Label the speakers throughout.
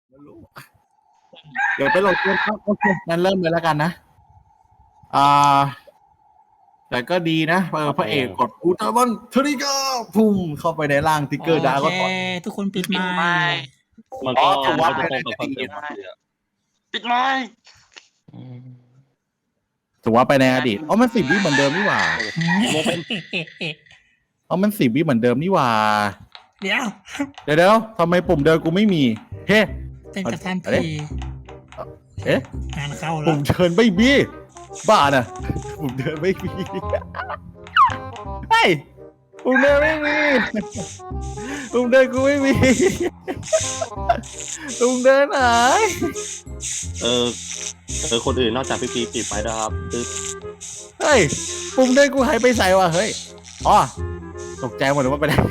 Speaker 1: ไม่รู้เดี๋ยวไปโหลดเกมครับโอเคงั้นเริ่มเลยแล้วกันนะอ่าแต่ก็ดีนะพระเอกกดอุลตร้ามันทริกเกอร์พุ่มเข้าไปในร่างทิกเกอร์ดาร์ก็ถอย
Speaker 2: ทุกคนปิดไมค์
Speaker 3: มันก็
Speaker 1: ถือว่า
Speaker 3: จะตรงกับคอนเซ็ปต์
Speaker 4: ปิดไม้
Speaker 1: ถือว่าไปในอดีตมัน10 วิเหมือนเดิมนี่หว่ามัน10 วิเหมือนเดิมนี่หว่า
Speaker 2: เดี๋ยว
Speaker 1: เดี๋ยวทำไมปุ่มเดินกูไม่มีเฮ้
Speaker 2: เป็นกับท่าน
Speaker 1: อะไร
Speaker 2: พี
Speaker 1: เอ๊ะ
Speaker 2: งานเข้าแล้
Speaker 1: ปุ่
Speaker 2: ว
Speaker 1: มเดินไม่มีบ้าน่ะปุ่มเดินไม่มีเฮ้ยปุ่มเดินไม่มีปุ่มเดินกูไม่มีปุ่มเดินหาย
Speaker 3: คนอื่นนอกจากพี่ปีปิดไปนะครับคือ
Speaker 1: เฮ้ยปุ่มเดินกูหายไปใส่วะเฮ้ยอ๋อตกใจหมดเลยว่าไปไหน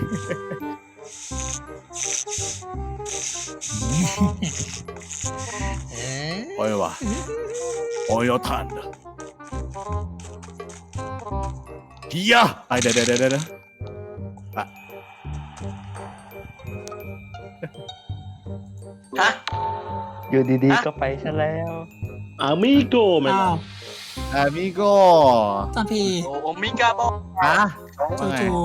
Speaker 1: โอ้ยวะโอ้ยทันเฮียไอเดี๋ยว
Speaker 4: ฮะ
Speaker 5: อยู่ดีๆก็ไปซะแล้ว
Speaker 3: อามิโกมัน
Speaker 2: อ้าว
Speaker 1: อามิโก
Speaker 2: ท่านพี
Speaker 4: โอมิกาโบ
Speaker 1: ฮะ
Speaker 2: จู่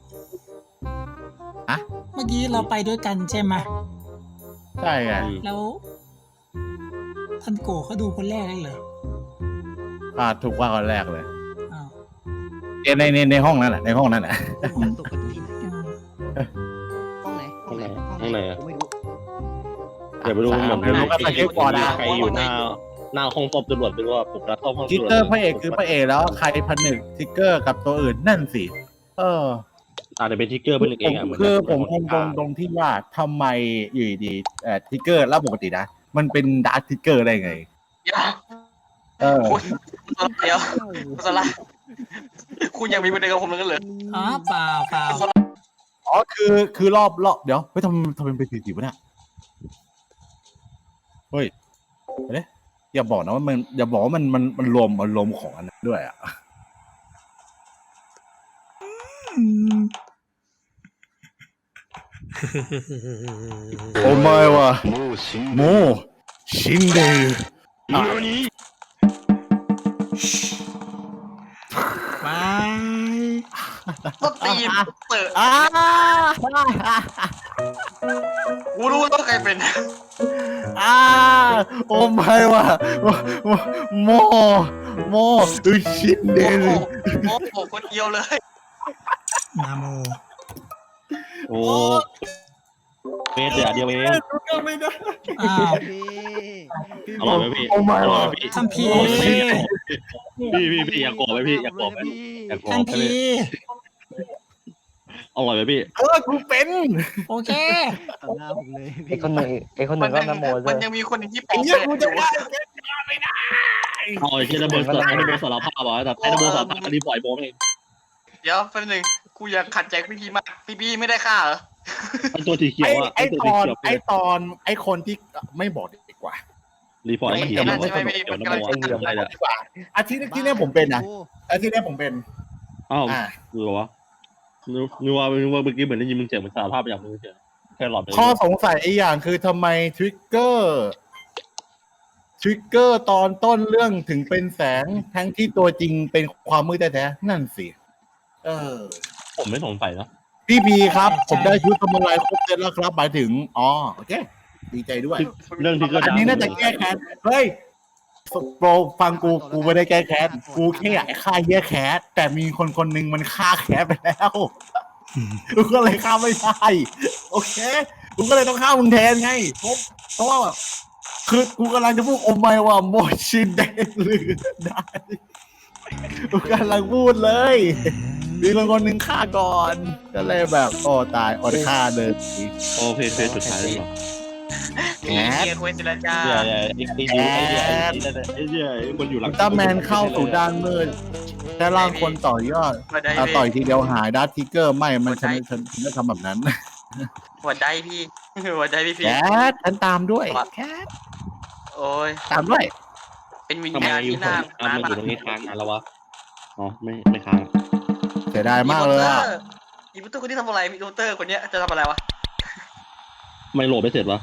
Speaker 2: ๆ
Speaker 1: ฮะ
Speaker 2: เมื่อกี้เราไปด้วยกันใช่ไหม
Speaker 1: ใช่ไง
Speaker 2: แล้วท่านโกเขาดูคนแรกเลยเหรอ
Speaker 1: ถูกว่าคนแรกเลย
Speaker 2: อ้าว
Speaker 1: ในห้องนั่นแหละในห้องนั่นแหละ
Speaker 6: ตกกันที่ไหน
Speaker 2: อืม
Speaker 6: ห้องไหน
Speaker 3: ข้างไหนอะ
Speaker 6: ผมไม่รู้
Speaker 3: เดี๋ยวไปดูเหมือน
Speaker 1: ไม่รู้ก็ไปเช็คก่อนนะ
Speaker 3: ใครอยู่หน้าห้องสอบตำรวจไม่รู้ว่าผมรักเข้าห้อง
Speaker 1: ทิกเกอร์พระเอกคือพระเอกแล้วใครผนึกทิกเกอร์กับตัวอื่นนั่นสิ
Speaker 3: อาจจะเป็นทิกเกอร์เป็นเองอ่ะ
Speaker 1: คือผมคงตรงที่ว่าทำไมอยู่ดีทิกเกอร์แล้วปกตินะมันเป็นดาร์คทิกเกอร์ได้ไง
Speaker 4: เดี๋ยว คุณเดี๋ยวคุณสละคุณยังมีประเด็นกับผมเลยกันเหรอ
Speaker 2: อ๋อเปล่า
Speaker 1: อ๋อคือรอบเดี๋ยวเฮ้ยทำเป็นสีวะเนี่ยเฮ้ยเดี๋ยวอย่าบอกนะว่ามันอย่าบอกว่ามันรวมของอันนั้นด้วยอ่ะ
Speaker 2: อืม
Speaker 1: โอ้ไม่ว่ะโมชินเดอร์
Speaker 2: บาย
Speaker 4: ต้นตีนเต๋อกูรู้ว่าใครเป็น
Speaker 1: โอ้ไม่ว่ะโมชินเด
Speaker 4: โอ้
Speaker 1: อ
Speaker 4: โห
Speaker 1: ร์
Speaker 4: คนเดียวเลย
Speaker 2: นาโม
Speaker 3: โอ้เเดียวเอง
Speaker 2: อ้าว
Speaker 3: อร่อยไหมพี่
Speaker 1: โอ้ไม่
Speaker 3: อร่อ
Speaker 1: ว่ะ
Speaker 3: ยไหมพี่
Speaker 2: ท่านพี
Speaker 3: พี่อยากโกรธไหมพี่อยากโกรธไหมอยากโกรธ
Speaker 2: ท่าน
Speaker 3: ไหม
Speaker 2: พี
Speaker 3: อร่อยไหมพี่
Speaker 1: กูเป็น
Speaker 2: โอเค
Speaker 6: ต่อหน้าผมเลย
Speaker 5: ไอ้คนหนึ่งก็นโมด้
Speaker 4: มั
Speaker 5: วน ย
Speaker 4: ยังมีคนหนึ่งที่ป
Speaker 1: ไอ้
Speaker 4: อก
Speaker 1: เหี้ยกูจะ
Speaker 4: แปะ
Speaker 1: ว่าไม่ได้
Speaker 3: เอาไอ้ที่ระเบิดสารภาพบอกแต่ไอ้ระเบิดสารภาพอันนี้ปล่อยโบมเอง
Speaker 4: เดี๋ยวแป๊บนึงกูอยากขัดใจพี่พีมากพี่พีไม่ได้ฆ่าเหรอ
Speaker 3: ไอ้ตัวสีเขียวอ่ะ
Speaker 1: ไอ้
Speaker 3: ตัว
Speaker 1: ต
Speaker 3: สี
Speaker 1: อน
Speaker 3: เขียว
Speaker 1: ไอ้ตอนไอ้คนที่ไม่บอกดีกว่า
Speaker 3: รีพอร์ตมันเขียวมันไม่สนุกเขียวน้ำมันอะไรเนี่ย
Speaker 1: ดีกว่าอาทิตย์ที่แล้วผมเป็นนะอาทิตย์นี้ผมเป็น
Speaker 3: อ้าวดูวะนึกว่าเมื่อกี้เหมือนได้ยินมึงเสียงเหมือนสารภาพอย่างมึงเฉยแค่หลอด
Speaker 1: ข้อสงสัยไอ้อย่างคือทำไมทริกเกอร์ตอนต้นเรื่องถึงเป็นแสงทั้งที่ตัวจริงเป็นความมืดแท้ๆนั่นสิ
Speaker 3: ผมไม่สงสัยนะ
Speaker 1: พี่พีครับ ผมได้ชุดสมุไรครบเซตแล้วครับหมายถึงโอเคดีใจด้วย
Speaker 3: เรื่องที่ก็
Speaker 1: อันนี้น่าจะแก้แค้นเฮ้ยโปรฟังกูไม่ได้แก้แค้นกูแค่อยากฆ่าแย่แค้นแต่มีคนหนึ่งมันฆ่าแค้นไปแล้วกูก็เลยฆ่าไม่ได้โอเคกูก็เลยต้องฆ่ามึงแทนไงเพราะว่าแบบคือกูกำลังจะพูดโอ้ไม่ว่าโมชินเดหรือได้กูกำลังพูดเลยมีคนหนึ่งฆ่าก่อนก็เลยแบบโอ้ตายอดฆ่าเลย
Speaker 3: โอเคเฟสสุดท้ายแล้ว
Speaker 4: พี่เกียร์คุยเจรจา
Speaker 3: ไอ้คนอยู่หลัง
Speaker 1: อุลตร้าแมนเข้าสู่ด้านมืดแค่ร่างคนต่อยอดต่อยทีเดียวหายดัตทิกเกอร์ไม่มันฉันไม่ทำแบบนั้น
Speaker 4: หัวใจพี่หัวใจพี่พี
Speaker 1: แคทฉันตามด้วยแคท
Speaker 4: โอ้ย
Speaker 1: ตามด้วย
Speaker 4: เป็นวิญ
Speaker 3: ทำไม
Speaker 4: ญาณ
Speaker 3: อยู่
Speaker 4: ที่น่า
Speaker 3: มันอยู่ตรงนี้ค้างนานแล้ววะอ๋อไม่ค้าง
Speaker 1: เสียดายมากเลยอะ
Speaker 4: อีพุตเตอร์คนที่ทำอะไรมีโรเตอร์คนเนี้ยจะทำอะไรวะ
Speaker 3: ไม่โหลดไม่เสร็จวะ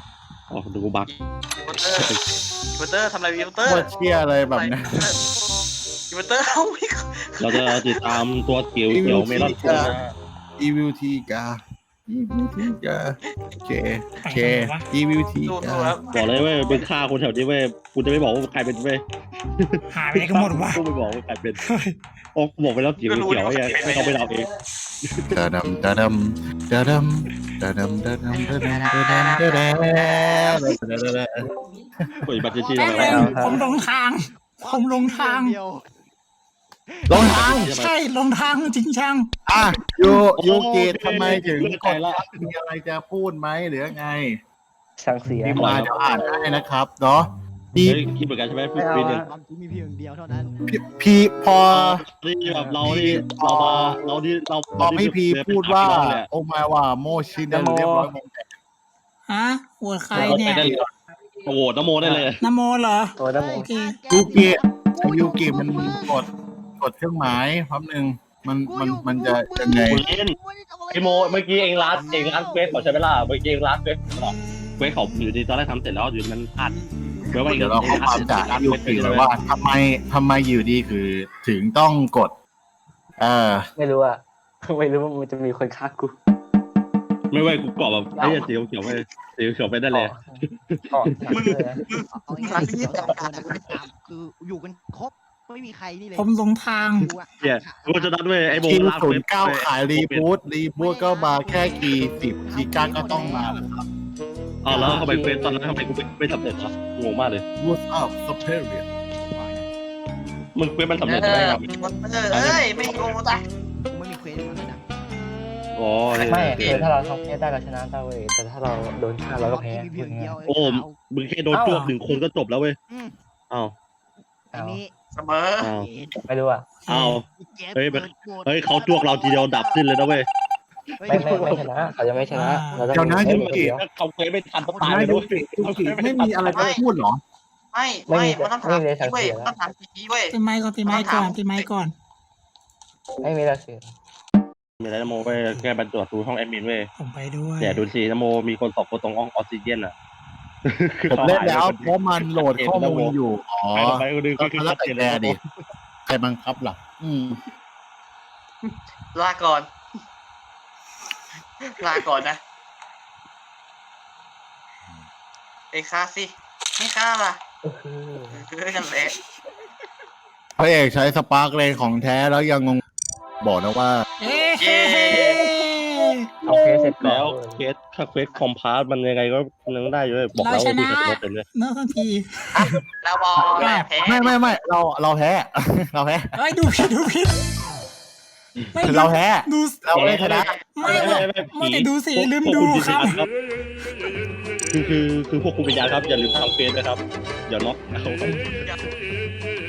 Speaker 3: อ๋อดูกูบัก
Speaker 4: อีเวอร์เตอร์ทำอะไรอีเวอร์เตอร์
Speaker 1: โคตรเชี่ยอะไรแบบนี้
Speaker 4: อีเวอร์เตอร์เอาไม่
Speaker 3: เราจะติดตามตัวเขียวเมลอนกูนะ
Speaker 1: อีวิวทีกาอีวิวทีกาโอเคอีวิวที
Speaker 4: ดู
Speaker 1: กา
Speaker 4: ครับ
Speaker 3: บอกเลยเว้ยเป็นฆ่าคนแถวนี้เว้ยกูจะไม่บอกว่าใครเป็นเว้ย
Speaker 2: หายไปไหนกันหมดวะ
Speaker 3: กูไม่บอกว่าใครเป็นโอ้บอกไปแล้วเขียวไอ้ยังไม่ต้องไปเดาเอง
Speaker 1: ดาดำดาดำดาดำดาดำดาดำดาดำดาดำดาดำดาดำดาดำ
Speaker 3: เปิดบัตรชี้
Speaker 2: แป๊บ
Speaker 3: ทำไม
Speaker 2: นึงผมลงทาง ผมลงทาง
Speaker 6: เดียว
Speaker 1: ลงทาง
Speaker 2: ใช่ลงทางจริงช่าง
Speaker 1: อ่ะยูกิทำไมถึงกดมีอะไรจะพูดไหมหรือไง
Speaker 5: สั่งเสีย
Speaker 1: ทีมงานจะอ่านให้นะครับเนาะพี่
Speaker 3: คิดเหมือนกันใช่ไหมปีหนึ่ง
Speaker 6: ความจริงมีเพียงเดียวเท่านั้น
Speaker 1: พี่พอ
Speaker 3: ที่แบบเราที่เรา
Speaker 1: พอพี่พีพูดว่า โอมาว่าโมชินเรียบร้อยหมด
Speaker 2: ฮะหัวใครเนี่ย
Speaker 3: โอ้โหนโมได้เลย
Speaker 2: นโมเหรอ
Speaker 5: ตัวน้ำมน
Speaker 2: โอ
Speaker 5: ต์
Speaker 2: เค
Speaker 1: ยูกิมันกดเครื่องหมายแป๊บนึงมันจะยังไง
Speaker 3: คุณเล่นไอโมเมื่อกี้เองร้านเควสเขาใช้เวลาเมื่อกี้เองร้านเควสเขาอยู่ดีตอนแรกทำเสร็จแล้วอยู่มันอัดเมื่อว่า
Speaker 1: เดี๋ยวเราเข้าความจากยูกิเลยว่าทำไมอยู่ดีคือถึงต้องกด
Speaker 5: ไม่รู้อะไม่รู้ว่ามันจะมีคนฆ่ากู
Speaker 3: ไม่ว่ากูเกาะแบบไอ้สีเขียวไปสีเขียวไปได้เลย
Speaker 5: ก่อนเลยนะ
Speaker 6: เอาง่ายๆสองคนคืออยู่กันครบไม่มีใครนี่เลย
Speaker 2: ผมหลงทาง
Speaker 3: เนี่ยกูจะนัดเว้ยไอ้โม
Speaker 1: คิว
Speaker 3: ร้าน
Speaker 1: ศู
Speaker 3: เคว
Speaker 1: น
Speaker 3: ส
Speaker 1: ย์เก้าขายรีบูทก็มาแค่คีย์10คีย์9ก็ต้องมาแล้วครับ
Speaker 3: อ๋อแล้วทำไมเควสตอนนั้นทำไมกูไม่สำเร็จวะงงมากเลย
Speaker 1: What's up Superior
Speaker 3: มึงเควสมันสำเร็จ
Speaker 4: เอ
Speaker 3: ไหม
Speaker 4: อ
Speaker 3: ครับ
Speaker 4: เอ้ยไม่โง่จ้ะ
Speaker 6: ไม่มีเควสมันนะ
Speaker 3: อ๋อ
Speaker 5: ไม่คือถ้าเราทำแค่ได้เราชนะได้เว้ยแต่ถ้าเราโดนฆ่าเราก็แพ้
Speaker 6: มีเพียงเดียว
Speaker 3: โอ้มึงแค่โดนจวก1 คนก็จบแล้วเว้ยอ้าว
Speaker 6: ไอ้นี่
Speaker 4: เสมอ
Speaker 3: อ้าว
Speaker 5: ไม่รู้อะ
Speaker 3: อ้าว เฮ้ยเขาจวกเราทีเดียวดับสิ้นเลยนะเว้ย
Speaker 5: ไม่ชนะเขาจะไม่ชนะเราต้อง
Speaker 1: เดี๋ยวนะยูกิ
Speaker 3: ถ้าเขาเควสไม่ทันก็ตาย
Speaker 1: นะ
Speaker 3: เลย
Speaker 1: ยู
Speaker 3: ด้วย
Speaker 1: กิไม่มีอะไรจะพูดเหรอ
Speaker 4: ไม่มันต้องถามเว้ยต้องถามพี่เว้ย
Speaker 2: ปิดไมค์ก่อนปิดไมค์ก่อนปิดไมค์ก่อน
Speaker 5: ไม่มีเราเสีย
Speaker 3: มีอะไรนะโมไปแก้บรรจุดูห้องแอดมินเว้ย
Speaker 2: ผมไปด้วย
Speaker 3: แต่ดูสินะโมมีคน2 คนตรงห้องออกซิเจนอ่ะ
Speaker 1: ผมเล่นแล้วเพราะมันโหลดข้อมูลอยู่ อ๋อ
Speaker 3: ไปก็ดึง
Speaker 1: ก็
Speaker 3: คือ
Speaker 1: แล้ว
Speaker 3: ชัด
Speaker 1: แต่
Speaker 3: เจน
Speaker 1: แก
Speaker 3: เลย
Speaker 1: ดิใครบังคับล่ะ
Speaker 4: ลาก่อนนะไอ้ฆ่าสิไม่ฆ่าล่ะกันแหละ
Speaker 1: พระเอกใช้สปาร์กเลนของแท้แล้วยังงงบอกนะว่า
Speaker 2: เอ๊ะ
Speaker 5: เอาเคสเสร็จก่อ
Speaker 3: แล้ว
Speaker 5: น
Speaker 3: เควสถ้าเควสคอมพาร์ตมันยังไงก็ยังได้อยู่เลยบอกแล้วว่าดูแต่ตัวเป็นเลย
Speaker 2: เนื้อทันที
Speaker 4: เราบอกแพ้
Speaker 1: ไม่เราแพ้ เราแพ้
Speaker 2: เฮ้ยดูผิดไม่
Speaker 1: เราแพ้
Speaker 2: ดู
Speaker 1: เราไม่ชนะ
Speaker 2: ไม่แต่ดูสิลืมดูครับ
Speaker 3: คือพวกคุณวิญญาณครับอย่าลืมทำเควสนะครับอย่าน็อกเอา